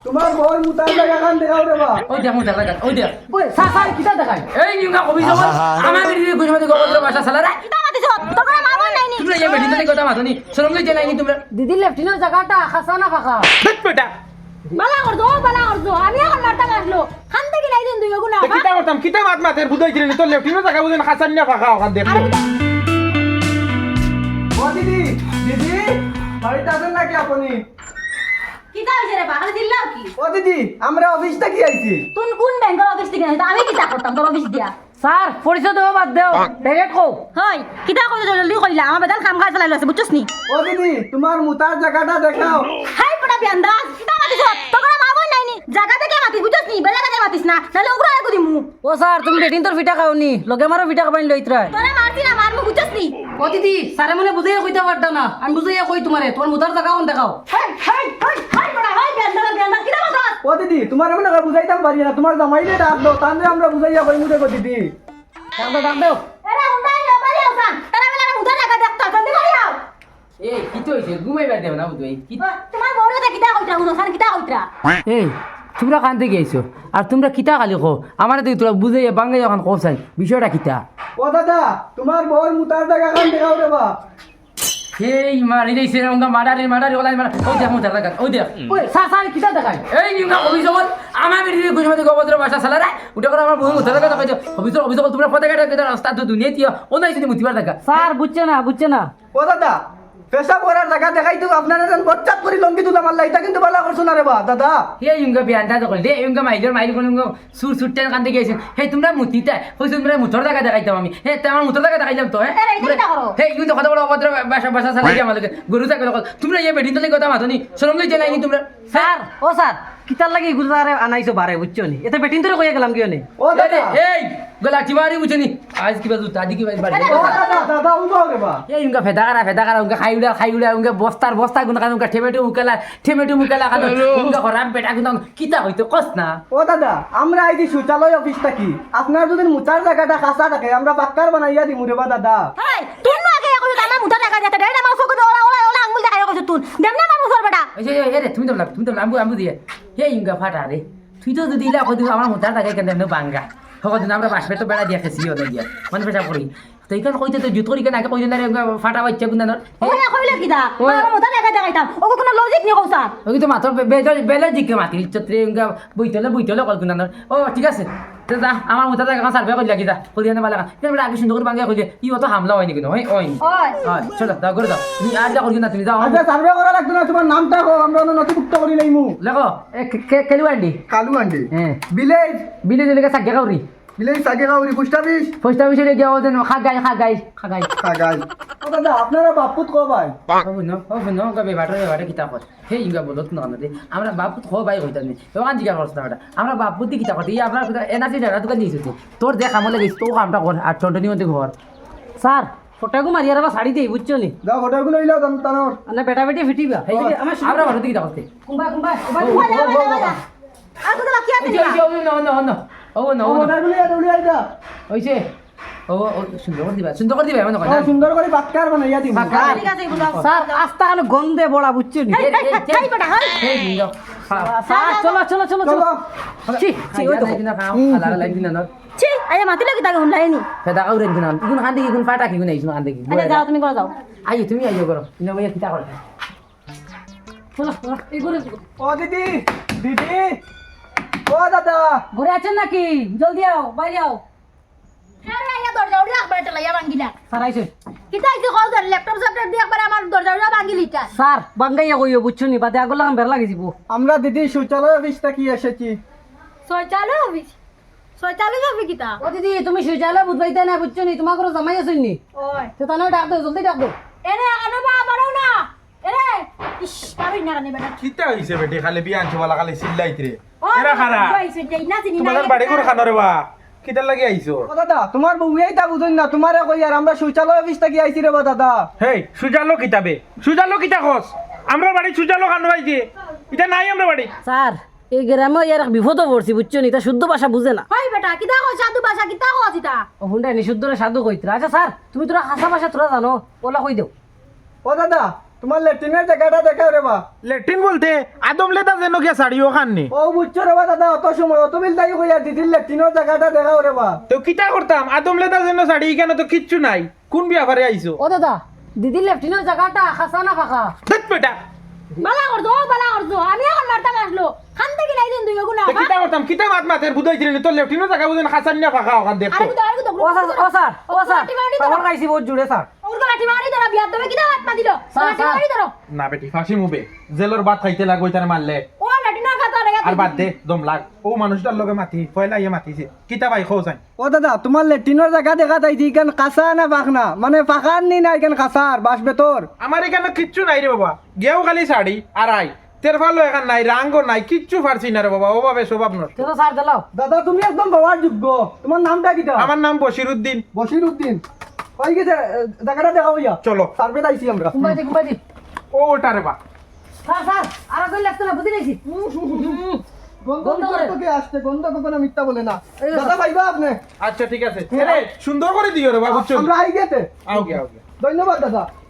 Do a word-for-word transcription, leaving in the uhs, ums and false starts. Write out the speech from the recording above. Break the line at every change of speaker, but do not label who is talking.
তোমার বই মুতার জায়গা কান দেখাও রে বা
ওই দেখ মুতার জায়গা ওই দেখ
ওই সাসার কিটা দেখাই
এই নিউগা কবি জবল আমার বিড়ি গুজমাতে গবদ্র ভাষা সালারা
কিটা মাতিছ তোর কোনো মামা নাই নি
তোমরা এই বেটি তলে কথা মাতনি শরম লই জেলাই নি তোমরা
দিদি লেফটিনের জায়গাটা খাসা না ফাঁকা
দেখ বেটা
বালা করছো বালা করছো আমি এখন মারতা আসলো খান থেকে নাই দিন দুই গুণ
তে কিতা করতাম কিতা মাত মাতের বুঝাই দিলেন তো লেফটিনো জায়গা বুঝেন হাসান না ফাঁকা ওখান দেখো
ও দিদি দিদি বাড়িতে আছেন নাকি আপনি
কিটা হইছে রে বাগালে দিল্লাও কি
ও দিদি আমরা অফিস থেকে আইছি
তুই কোন ব্যাংকের অফিস থেকে আইছ আমি কিটা করতাম তোর অফিস দিয়া
স্যার পরিচয় দেবো বাদ দেও ডাইরেক্ট কও
হয় কিটা কইছ জলদি কইলা আমার বেদান কাম কাজ চালাইলো আছে বুঝছস নি
ও দিদি তোমার মুতার জায়গাটা দেখাও
হাই পড়া বিয়ান্দাজ কিটা মাতিছ তোর কোনো মামা নাই নি জায়গা থেকে মাতিস বুঝছস নি বেলা কাজে মাতিস না নালে উগরা আইকো দিমু
ও স্যার তুমি বেটিন তোর ফিটা খাওনি লগে মারো ফিটা খাবাইন লইত্রাই
তোরা মারতি না মারমু বুঝছস নি
ও দিদি স্যারে মনে বুঝাইয়া কইতে পারতা না আমি বুঝাইয়া কই তোমারে তোমার মুতার জায়গা কোন দেখাও
হাই হাই হাই হাই পড়া হাই বিয়ান্দাজ বিয়ান্দাজ কিটা মাতাস
ও দিদি তোমার মনে হয় বুঝাইতাম পারি না তোমার জামাইলে ডাক দাও তাহলে আমরা বুঝাইয়া কই মুতে কই দিদি
ডাক দাও ডাক দাও
এরা হুন্ডা নিয়ে বাড়ি আসান তারা বেলা মুদা জায়গা দেখতা জলদি বাড়ি আও
এই কি তো হইছে ঘুমাইবা দেব না বুঝই কি
তোমার বউরে দে কিটা কইতা হুনসান কিটা কইতা
এই তোমরা কান থেকে আইছো আর তোমরা কিতা খালি কো আমার তো তোরা বুঝাইয়া বাঙ্গাই যখন কোসাই বিষয়টা কিতা
ও দাদা তোমার বই মুতার জায়গা কান দেখাও রে বা
এই মারি দেইছে রঙ্গা মাডারি মাডারি ওলাই মারা ওই দেখ মুতার জায়গা ওই দেখ
ওই সাসার কিটা দেখাই
এই নিউগা কবি জবল আমার বিড়ি গুজমাতে গবদ্র ভাষা সালারা উঠে করে আমার বহু মুতার জায়গা কইছো অফিস অফিস তোমরা পথে কাটা কইছো রাস্তা তো দুনিয়া তিও ওনাই যদি মুতিবার জায়গা
স্যার বুঝছে না বুঝছে না
ও দাদা পেশা করার জায়গা দেখাই তো আপনারা যেন বচ্চাত করে লঙ্গি তুলা মারলা এটা কিন্তু ভালো করছো না রে বা দাদা
এই ইউঙ্গা বিয়ানটা তো কইলে ইউঙ্গা মাইজর মাইল কোন সুর সুরতে কান থেকে আইছেন হে তোমরা মুতিতা হইছো তোমরা মুতর জায়গা দেখাইতাম আমি হে তোমার মুতর জায়গা দেখাইলাম তো হ্যাঁ
আরে, এটা কিটা করো?
হে ইউন তো কথা বড় অভদ্র ভাষা ভাষা চালাই আমার লাগে গরু থাকে তোমরা এই বেডিন তলে কথা মাতনি শরম লই জেলাই নি তোমরা
স্যার ও স্যার কিতার লাগি গুজারে আনাইছো বারে বুঝছো নি এতে বেটিন তোরে কইয়া গেলাম কিও নি
ও দাদা
এই গলা চিমারি বুঝনি আজ কি বাজু তাদি কি বাজু
ও দাদা দাদা উবাও রে বা
এই উনকা ফেদা করা ফেদা করা উনকা খাই উড়া খাই উড়া উনকা বস্তার বস্তা গুন কান উনকা ঠেমেটু মুকালা ঠেমেটু মুকালা কান উনকা খরাম পেটা গুন কিতা হইতো কস না
ও দাদা আমরা আইছি শৌচালয় অফিস থাকি আপনার যদি মুতার জায়গাটা কাঁচা থাকে আমরা পাক্কার বানাইয়া দিমু রে বা দাদা
হাই তুই না আগে কইছ আমার মুদা জায়গা দিতে দেড় আমার চোখ ওলা ওলা ওলা আঙ্গুল দেখাই কইছ তুই দেমনা আমার মুসর বেটা
এই যে এই রে তুমি তো লাগ তুমি তো লাম্বু আম্বু দিয়ে হে ইনকা ফাটা রে তুই তো যদি ইলা কদি আমার মোটা টাকা কেন দেন বাঙ্গা হকদিন আমরা বাসপে তো বেড়া দিয়া খেছি ওটা দিয়া মানে পেশা করি তো এইখান কইতে তো জুত করি কেন আগে কইতে না রে ফাটা বাচ্চা গুনানোর
ওলা কইলে কিদা আমার মুদা জায়গা দেখাইতাম ও কোনো লজিক নি কইছ
ওই তো মাত্র বেলে জিকে মাতি চত্রে ইনকা বইতলে বইতলে কল গুনানোর ও ঠিক আছে তো যা আমার মোটা টাকা সার্ভে কইলা কিদা কইলে না বালা কেন আগে সুন্দর করে বাঙ্গা কইলে ই অত হামলা হয়নি কিন্তু ওই ওই
ওই
হয় চলো দাও করে দাও তুমি আর যা করি না তুমি যাও
আচ্ছা সার্ভে করা লাগতো না তোমার নামটা কো আমরা নথিভুক্ত করি লাইমু
লেখো কেলু আন্ডি
কালু আন্ডি
হ্যাঁ
ভিলেজ
বিলে দিলে সাজ্ঞা কাউরি
ভিলেজ সাগে গাউরি পোস্ট অফিস
পোস্ট অফিসে গিয়ে ওদের খাগাই খাগাই খাগাই
কাগাই ও দাদা আপনারা বাপুত কো ভাই
হবে না হবে না কবে বাটরে বাটে কিতা কর হে ইঙ্গা বলত না না আমরা বাপুত খো ভাই হইতা নি ওখান জিগা করছ না আমরা বাপুত দি কিতা করতে আমরা এনাসি জায়গা দোকান দিয়েছি তোর দেখ আমলে গেছ তো কামটা কর আর টোটনি মধ্যে ঘর
স্যার ফটাকু মারিয়ার বা শাড়ি দেই বুঝছো নি
যাও হোটেলগুলো লইলাও দাম তানোর
আনা বেটা বেটি ফিটিবা
এই যে আমরা বাড়ি কিতা করতে
কুম্বা কুম্বা
আর তো বাকি আছে
এই যে ও না না না ও না
ও
ও না
হোটেলগুলো এটা উড়িয়ে আইতা
ওইছে ও সুন্দর করে দিবা সুন্দর করে দিবা এমন কয়
ও
না
সুন্দর করে পাক্কার বানাইয়া দিমু
ঠিক আছে এগুলো
স্যার আস্তা কানে গন্ধে বড়া বুঝছো নি
হাই বেটা হাই
হে ইঙ্গা
স্যার চলো চলো চলো
চলো
ছি ছি ওই তো
দিনা খাও আলাদা লাইন দিনা না
ছি আরে মাতি লাগি তাকে হুনলাইনি
ফেদা কাউরে দিনা ইগুন খান দেখি ইগুন ফাটা কি গুনাই ইগুন খান দেখি
আরে যাও তুমি করে যাও
আইও তুমি আইও করো ইনা ভাইয়া কিতা করো
চলো চলো এই করে
ও দিদি দিদি ও দাদা
ঘরে আছেন নাকি জলদি আও বাইরে আও
আরে আইয়া দরজা উড়ি একবার চালাইয়া ভাঙ্গিলা
স্যার আইছে
কিতা আইছে কল ধর ল্যাপটপ স্যাপটপ দিয়ে একবার আমার দরজা উড়া ভাঙ্গিলিটা
স্যার বাঙ্গাইয়া কইও বুঝছো নি বাদে আগলা বের লাগি যাব
আমরা দিদি শৌচালয় অফিস থেকে এসেছি
ছয় চালু হবি ছয় চালু যাবি কিতা
ও দিদি তুমি শৌচালয় বুঝবাইতে না বুঝছো নি তোমার করে জামাই আছেন নি
ওই
তো তানো ডাক দাও জলদি ডাক দাও
এরে আনো বা বাড়াও না এরে ইস পাবি না কানে বেটা
কিতা হইছে বেটি খালি বিয়ান চবালা খালি চিল্লাইত রে
ওই
এরা খারা
কইছে যে না চিনি না
তোমাদের বাড়ি করে খানো রে বা কিতা লাগি আইছো
ও দাদা তোমার বউয়াই তা বুঝুন না তোমারে কই আর আমরা শৌচালয় অফিস থেকে আইছি রে বা দাদা
হেই সুজালো কিতাবে সুজালো কিতা খস আমরা বাড়ি সুজালো খানো আইছে এটা নাই আমরা বাড়ি
স্যার এই গ্রামে ইয়ার বিপদ পড়ছি বুঝছো নি তা শুদ্ধ ভাষা বুঝে না
ওই বেটা কিতা কই সাধু ভাষা কিতা কই চিতা
ও হুন্ডা নি শুদ্ধ সাধু কইতরা আচ্ছা স্যার তুমি তোরা হাসা ভাষা তোরা জানো ওলা কই দেও
ও দাদা তোমার ল্যাট্রিনের জায়গাটা দেখাও রে বা
লেট্রিন বলতে আদম লেতা যেন গিয়া শাড়িও খাননি
ও বুঝছো রে বা দাদা অত সময় অত বিল তাই কইয়া দিদির ল্যাট্রিনের জায়গাটা দেখাও রে বা
তো কিতা করতাম আদম লেতা যেন শাড়ি এখানে তো কিচ্ছু নাই কোন বিয়াবারে আইছো
ও দাদা দিদি লেফটিনের জায়গাটা খাসা না ফাঁকা
দেখ বেটা
বালা করছো ও বালা করছো আমি এখন মারতাম আসলো খান থেকে নাই দিন দুই গুণা
তো কিতা করতাম কিতা মাত মাতের বুঝাইছিলেন তো লেফটিনো জায়গা বুঝেন খাসান না ফাঁকা ওখান দেখো
আরে তো আরে তো
ও স্যার ও স্যার ও স্যার পাগল খাইছি বহুত জুড়ে স্যার
ওরগো লাঠি মারি ধরো বিয়ার দমে কিটা হাত পা দিল
স্যার,
লাঠি
স্যার।
মারি ধরো
না বেটি ফাঁসি মুবে জেলর ভাত খাইতে লাগো তার মারলে
ও লাঠি না খাতা রে
আর বাদ দে দম লাগ ও মানুষটার লগে মাতি পয়লা ইয়ে মাতিছে কিতা ভাই খোঁজাই
ও দাদা তোমার ল্যাট্রিনের জায়গা দেখা যাইছি ইখান কাঁচা না পাখনা মানে পাখার নি না ইখান কাঁচার বাস বেতর
আমার এখানে কিচ্ছু নাই রে বাবা গেও খালি শাড়ি আর আই তেরফালো এখান নাই রাঙ্গও নাই কিচ্ছু পারছি না রে বাবা ওভাবে স্বভাব নষ্ট
তো স্যার দিলাও
দাদা তুমি একদম বাবার যোগ্য তোমার নামটা কিটা
আমার নাম বশিরউদ্দিন
বশির উদ্দিন কই গেছে জায়গাটা দেখাও ইয়া
চলো
সার্ভে আইছি আমরা
কুম্বাই দি কুম্বাই দি
ও ওটা রে বা
স্যার স্যার আর কই লাগতো না বুঝি নাইছি
গন্ধ
গন্ধ করে।
থেকে আসছে গন্ধ কখনো মিথ্যা বলে না দাদা ভাইবা আপনি
আচ্ছা ঠিক আছে এরে, সুন্দর করে দিও রে বাবা বুঝছো
আমরা আই গেতে
আও গে আও গে
ধন্যবাদ দাদা